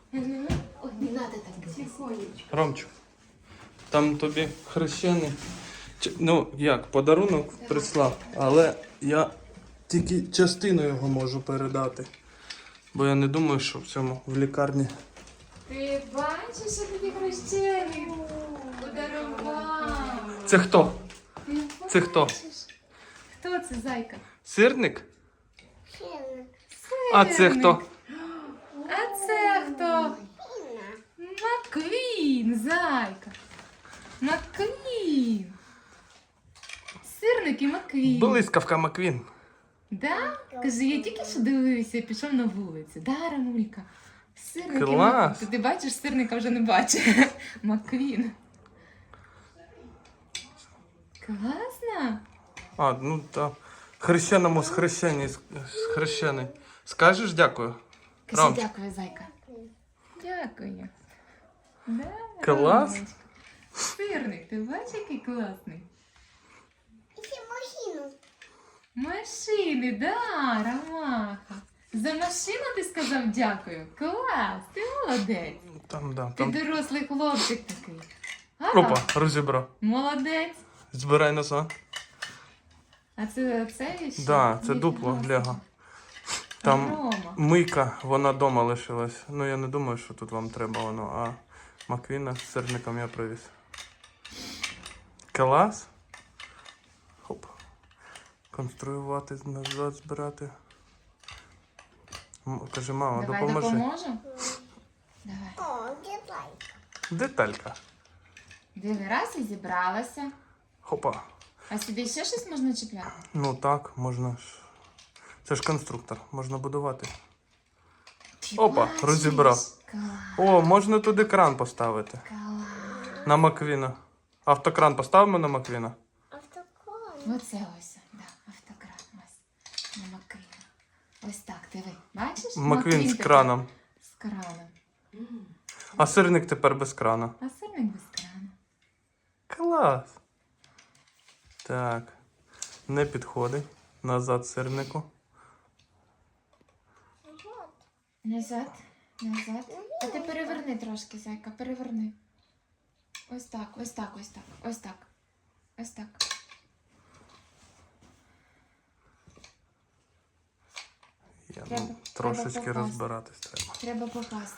Ой, не надо так делать. Ромчик, там тобі хрещений. Ну, як, подарунок прислав, але я тільки частину його можу передати. Бо я не думаю, що в цьому в лікарні. Ти бачиш, що тобі хрещений подарував? Це хто? Ти Це хто? бачиш? Хто це, зайка? Сирник? А це хто? А це хто? Маквін, зайка. Маквін. Сирник і Маквін. Блискавка Маквін. Да? Каже, я тільки що дивився і пішов на вулицю. Да, Рамулька? Сирник і Клас. Маквін. Ти бачиш, сирника вже не бачиш. Маквін. Класно. А, ну так. Хрещеному з хрещений. Скажеш дякую? Кажи Ром. дякую, зайка. Дякую. Да, Клас. Ромочка. Сирник, ти бачиш, який класний? Машини, да, Ромаха. За машину ти сказав дякую? Клас, ти молодець. Там, да, Ти там. дорослий хлопчик такий. Ага, Опа, розібрав. молодець. Збирай назад. А це ще? Да, це Ні, дупло класно. Лего. Там Рома. мийка, вона вдома лишилась. Ну я не думаю, що тут вам треба воно, а Маквіна з сирником я привіз. Клас. Хоп. Конструювати, назад збирати. Каже, мама, Давай допоможи. допоможу? Давай. Деталька. Диви, раз і зібралася. Хопа. А сюди ще щось можна чіпляти? Ну так, можна ж. Це ж конструктор, можна будувати. Ти Опа, бачиш? розібрав. Клас, О, можна туди кран поставити. клас. На Маквіна. Автокран поставимо на Маквіна? Оце ось, да, автокран ось. На Маквіна. Ось так, диви. Бачиш? Маквін з тепер краном. З краном. А сирник тепер без крана. А сирник без крана. Клас. Так. Не підходить. Назад сирнику. Назад, назад. А ти переверни трошки, зайка, переверни. Ось так, ось так, ось так, ось так. Ось так. Я, Треба- трошечки треба попасти. розбиратись треба. Треба попасти.